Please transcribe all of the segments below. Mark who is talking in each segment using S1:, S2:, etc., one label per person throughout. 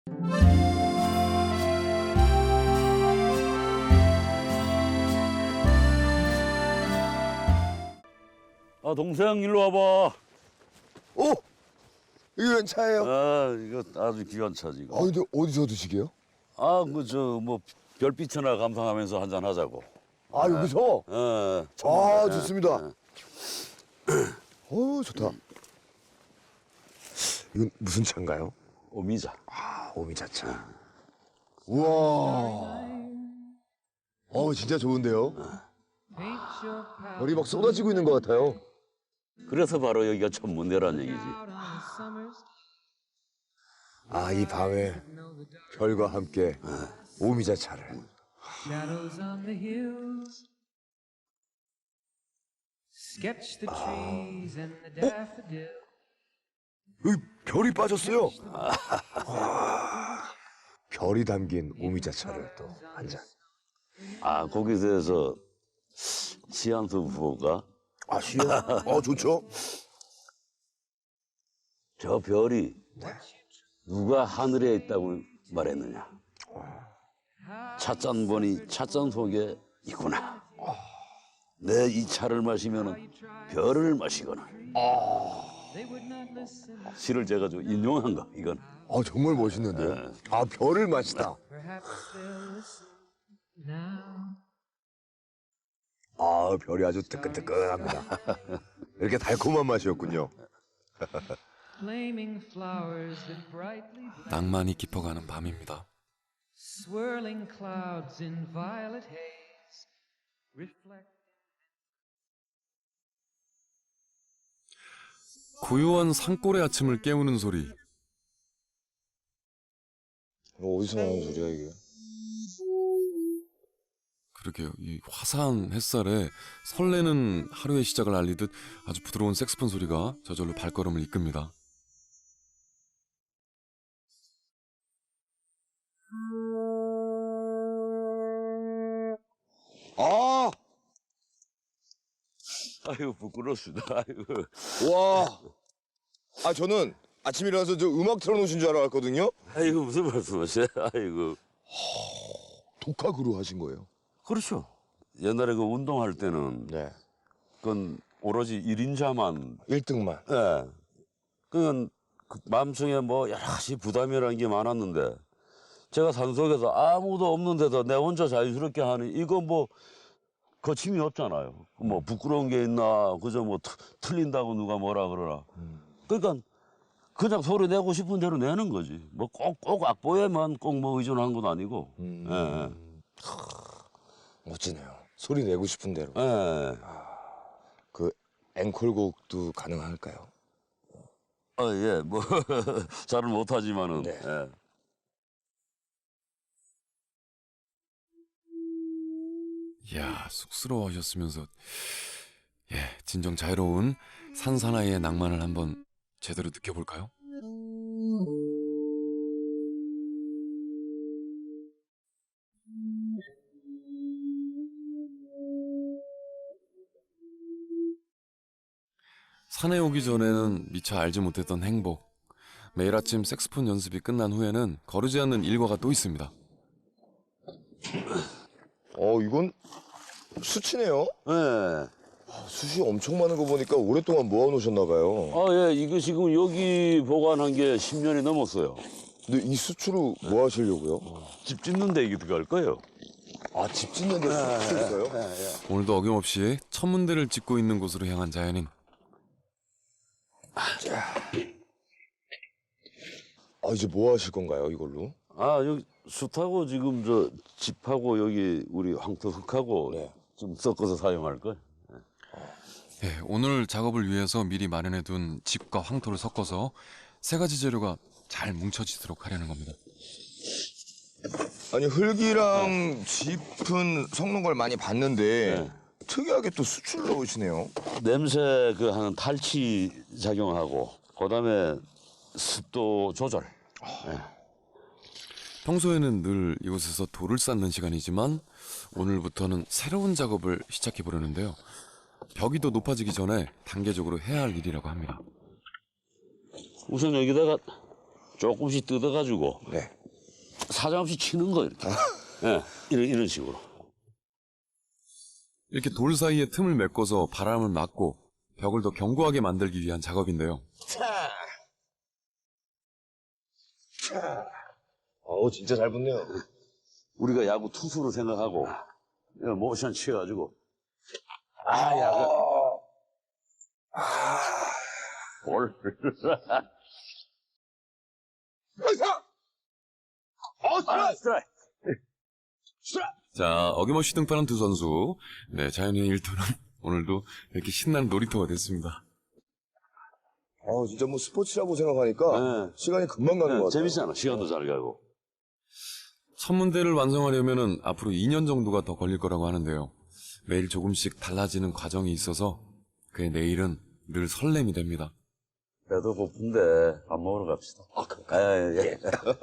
S1: 아, 동생 일로 와봐.
S2: 오! 이거 웬 차예요?
S1: 아, 이거 아주 귀한 차지 이거.
S2: 근데 어디서 드시게요?
S1: 아, 그 저 뭐 별빛이나 감상하면서 한잔 하자고.
S2: 아, 여기서?
S1: 어.
S2: 아,
S1: 예,
S2: 좋습니다.
S1: 예.
S2: 좋다. 이건 무슨 차인가요?
S1: 오미자.
S2: 아, 오미자차. 우와. 진짜 좋은데요? 별이 막 쏟아지고 있는 것 같아요.
S1: 그래서 바로 여기가 천문대란 얘기지.
S2: 아, 이 밤에 별과 함께 오미자차를.
S3: Shadows on the hills sketch the trees and the daffodils.
S2: 여기 별이 빠졌어요. 별이 담긴 오미자차를 또 한 잔.
S1: 아, 거기서 해서 시한수 부부가
S2: 아, 시요? 좋죠.
S1: 저 별이 누가 하늘에 있다고 말했느냐. 찻잔 보니 찻잔 속에 있구나. 내 이 차를 마시면 별을 마시거나. 시를 제가 좀 인용한 거 이건.
S2: 정말 멋있는데요. 별을 마시다.
S3: Perhaps they'll listen now.
S2: 별이 아주 뜨끈뜨끈합니다. 이렇게 달콤한 맛이었군요.
S3: Flaming flowers that brightly blaze,
S4: 낭만이 깊어가는 밤입니다.
S3: swirling clouds in violet haze, reflect.
S4: 고요한 산골의 아침을 깨우는 소리.
S2: 어디서 나는 소리야, 이게?
S4: 그러게요. 이 화사한 햇살에 설레는 하루의 시작을 알리듯 아주 부드러운 색스폰 소리가 저절로 발걸음을 이끕니다.
S1: 아이고 부끄럽습니다. 아이고.
S2: 와. 저는 아침에 일어나서 저 음악 틀어놓으신 줄 알았거든요.
S1: 아이고 무슨 말씀하세요? 아이고.
S2: 독학으로 하신 거예요?
S1: 그렇죠. 옛날에 그 운동할 때는
S2: 네.
S1: 그건 오로지 1인자만
S2: 1등만.
S1: 예. 그건 그 마음속에 뭐 여러 가지 부담이라는 게 많았는데 제가 산속에서 아무도 없는데도 내 혼자 자유스럽게 하는 이거 뭐 거침이 없잖아요. 뭐 부끄러운 게 있나 그저 뭐 틀린다고 누가 뭐라 그러나. 그러니까 그냥 소리 내고 싶은 대로 내는 거지. 뭐 꼭 악보에만 꼭 뭐 의존하는 건 아니고. 예.
S2: 멋지네요. 소리 내고 싶은 대로.
S1: 예.
S2: 그 앵콜곡도 가능할까요?
S1: 예. 뭐 잘은 못하지만은.
S2: 네.
S1: 예.
S4: 이야, 쑥스러워하셨으면서 진정 자유로운 산 사나이의 낭만을 한번 제대로 느껴볼까요? 산에 오기 전에는 미처 알지 못했던 행복. 매일 아침 색스폰 연습이 끝난 후에는 거르지 않는 일과가 또 있습니다.
S2: 이건 수치네요.
S1: 예.
S2: 숯이 엄청 많은 거 보니까 오랫동안 모아놓으셨나 봐요.
S1: 예. 이거 지금 여기 보관한 게 10년이 넘었어요.
S2: 근데 이 수추로 뭐 하시려고요?
S1: 집 짓는 데 이게 들어갈 거예요.
S2: 집 짓는 데 수추 있어요?
S4: 오늘도 어김없이 천문대를 짓고 있는 곳으로 향한 자연인.
S2: 이제 뭐 하실 건가요, 이걸로?
S1: 여기 숯하고 지금 저 집하고 여기 우리 황토흙하고
S2: 네.
S1: 좀 섞어서 사용할 거예요.
S4: 오늘 작업을 위해서 미리 마련해둔 집과 황토를 섞어서 세 가지 재료가 잘 뭉쳐지도록 하려는 겁니다.
S2: 아니, 흙이랑 짚은 섞는 걸 많이 봤는데
S1: 네.
S2: 특이하게 또 수추를 넣으시네요.
S1: 냄새 그 하는 탈취 작용하고 그다음에 습도 조절.
S4: 평소에는 늘 이곳에서 돌을 쌓는 시간이지만 오늘부터는 새로운 작업을 시작해 보려는데요. 벽이 더 높아지기 전에 단계적으로 해야 할 일이라고 합니다.
S1: 우선 여기다가 조금씩 뜯어가지고
S2: 네.
S1: 사정없이 치는 거 이렇게. 예, 이런 식으로.
S4: 이렇게 돌 사이에 틈을 메꿔서 바람을 막고 벽을 더 견고하게 만들기 위한 작업인데요.
S2: 진짜 잘 붙네요.
S1: 우리가 야구 투수로 생각하고 모션 취해가지고 야구 볼. 스트라이크.
S4: 자, 어김없이 등판한 두 선수. 네, 자연의 일터는 오늘도 이렇게 신나는 놀이터가 됐습니다.
S2: 진짜 뭐 스포츠라고 생각하니까
S1: 네.
S2: 시간이 금방 가는 것 같아요.
S1: 재밌잖아. 시간도 잘 가고.
S4: 천문대를 완성하려면은 앞으로 2년 정도가 더 걸릴 거라고 하는데요. 매일 조금씩 달라지는 과정이 있어서 그의 내일은 늘 설렘이 됩니다.
S1: 배도 고픈데 밥 먹으러 갑시다. 예.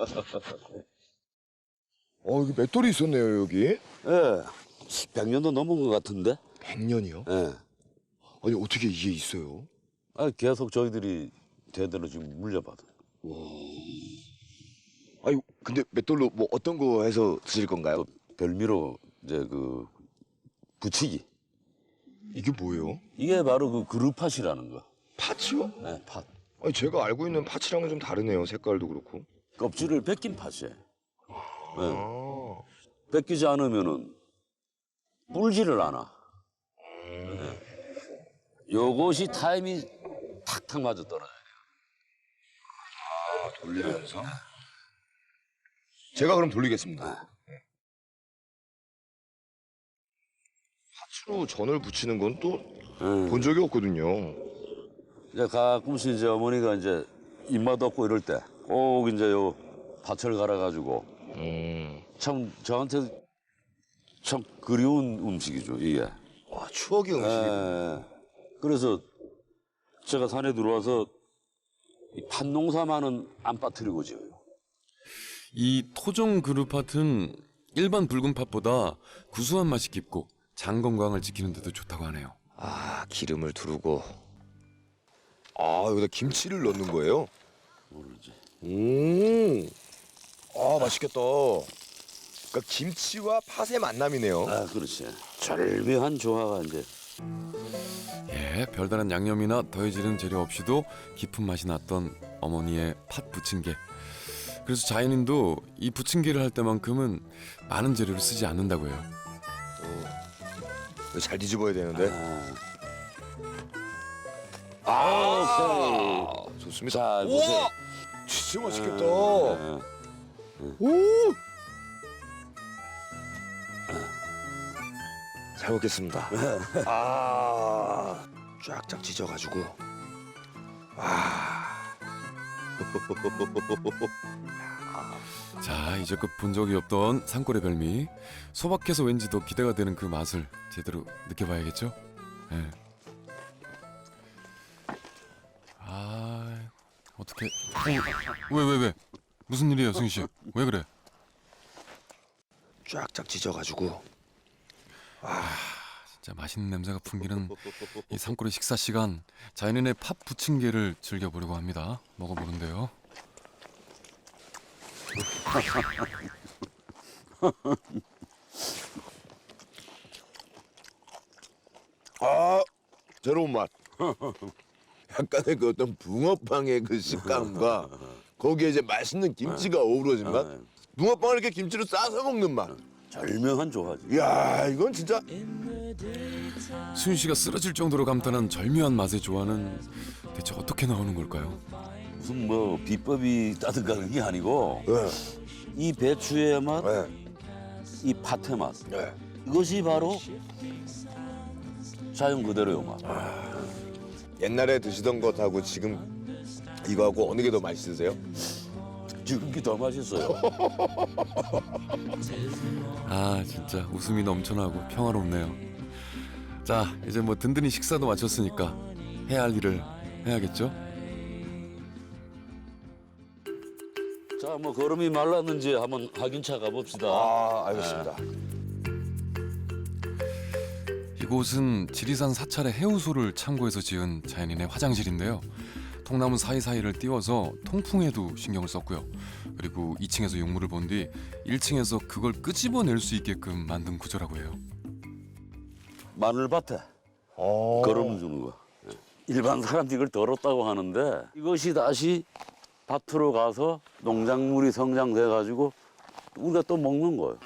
S2: 여기 맷돌이 있었네요, 여기.
S1: 예. 100년도 넘은 것 같은데?
S2: 100년이요?
S1: 예.
S2: 아니, 어떻게 이게 있어요?
S1: 계속 저희들이 대대로 지금 물려받아요.
S2: 아니, 근데 맷돌로 뭐 어떤 거 해서 드실 건가요?
S1: 별미로 이제 붙이기.
S2: 이게 뭐예요?
S1: 이게 바로 그루팟이라는 거.
S2: 팥이요?
S1: 네, 팥.
S2: 아니, 제가 알고 있는 팥이랑은 좀 다르네요, 색깔도 그렇고.
S1: 껍질을 벗긴 팥이에요. 네.
S2: 아,
S1: 벗기지 않으면은 불지를 않아. 네. 요것이 타임이 탁탁 맞아 떨어져요.
S2: 돌리면서? 제가 그럼 돌리겠습니다. 팥으로 전을 부치는 건 또 본 적이 없거든요.
S1: 이제 가끔씩 이제 어머니가 이제 입맛 없고 이럴 때 꼭 이제 요 팥을 갈아가지고 참 저한테 참 그리운 음식이죠 이게.
S2: 와, 추억의 음식이.
S1: 예. 그래서 제가 산에 들어와서 이 팥농사만은 안 빠뜨리고 지어요.
S4: 이 토종 그루팥은 일반 붉은 팥보다 구수한 맛이 깊고 장 건강을 지키는 데도 좋다고 하네요.
S2: 기름을 두르고. 여기다 김치를 넣는 거예요?
S1: 모르지.
S2: 맛있겠다. 그러니까 김치와 팥의 만남이네요.
S1: 그렇지. 절묘한 조화가 이제.
S4: 예, 별다른 양념이나 더해지는 재료 없이도 깊은 맛이 났던 어머니의 팥 부침개. 그래서 자연인도 이 부침개를 할 때만큼은 많은 재료를 쓰지 않는다고 해요.
S2: 이거 잘 뒤집어야 되는데.
S1: 오케이.
S2: 좋습니다.
S1: 자, 보세요.
S2: 우와! 진짜 맛있겠다.
S1: 예.
S2: 오! 잘 먹겠습니다. 쫙쫙 찢어가지고.
S4: 자, 이제껏 본 적이 없던 산골의 별미. 소박해서 왠지 더 기대가 되는 그 맛을 제대로 느껴봐야겠죠? 예. 어떻게? 왜? 무슨 일이에요, 승희 씨? 왜 그래?
S2: 쫙쫙 찢어가지고.
S4: 진짜 맛있는 냄새가 풍기는 이 산골의 식사 시간. 자연인의 팥 부침개를 즐겨보려고 합니다. 먹어보는데요.
S2: 새로운 맛. 약간의 그 어떤 붕어빵의 그 식감과 거기에 이제 맛있는 김치가 어우러진 맛. 붕어빵을 이렇게 김치로 싸서 먹는 맛.
S1: 절묘한 조화지.
S2: 이야, 이건 진짜.
S4: 수윤 씨가 쓰러질 정도로 감탄한 절묘한 맛의 조화는 대체 어떻게 나오는 걸까요?
S1: 무슨 뭐 비법이 있다든가 그런 게 아니고
S2: 네.
S1: 이 배추의 맛,
S2: 네.
S1: 이 팥의 맛.
S2: 네.
S1: 이것이 바로 자연 그대로의 맛.
S2: 옛날에 드시던 것하고 지금 이거하고 어느 게 더 맛있으세요?
S1: 지금 게 더 맛있어요.
S4: 진짜 웃음이 넘쳐나고 평화롭네요. 자, 이제 뭐 든든히 식사도 마쳤으니까 해야 할 일을 해야겠죠?
S1: 자, 뭐 걸음이 말랐는지 한번 확인차 가봅시다.
S2: 알겠습니다.
S4: 이곳은 지리산 사찰의 해우소를 참고해서 지은 자연인의 화장실인데요. 통나무 사이사이를 띄워서 통풍에도 신경을 썼고요. 그리고 2층에서 용물을 본 뒤 1층에서 그걸 끄집어낼 수 있게끔 만든 구조라고 해요.
S1: 마늘밭에 걸음 주는 거. 일반 사람들이 이걸 더럽다고 하는데 이것이 다시 밭으로 가서 농작물이 성장돼 가지고 우리가 또 먹는 거예요.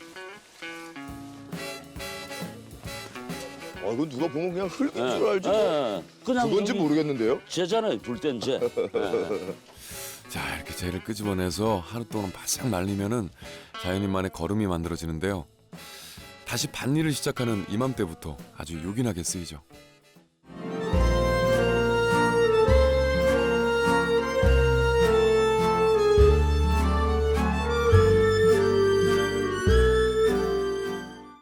S2: 이건 누가 보면 그냥 흙인
S1: 예,
S2: 줄 알지.
S1: 예, 그냥
S2: 그건지
S1: 저기
S2: 모르겠는데요.
S1: 쟤잖아요. 불땐 쟤. 예.
S4: 자, 이렇게 재를 끄집어내서 하루 동안 바싹 말리면은 자연인만의 거름이 만들어지는데요. 다시 밭일을 시작하는 이맘때부터 아주 요긴하게 쓰이죠.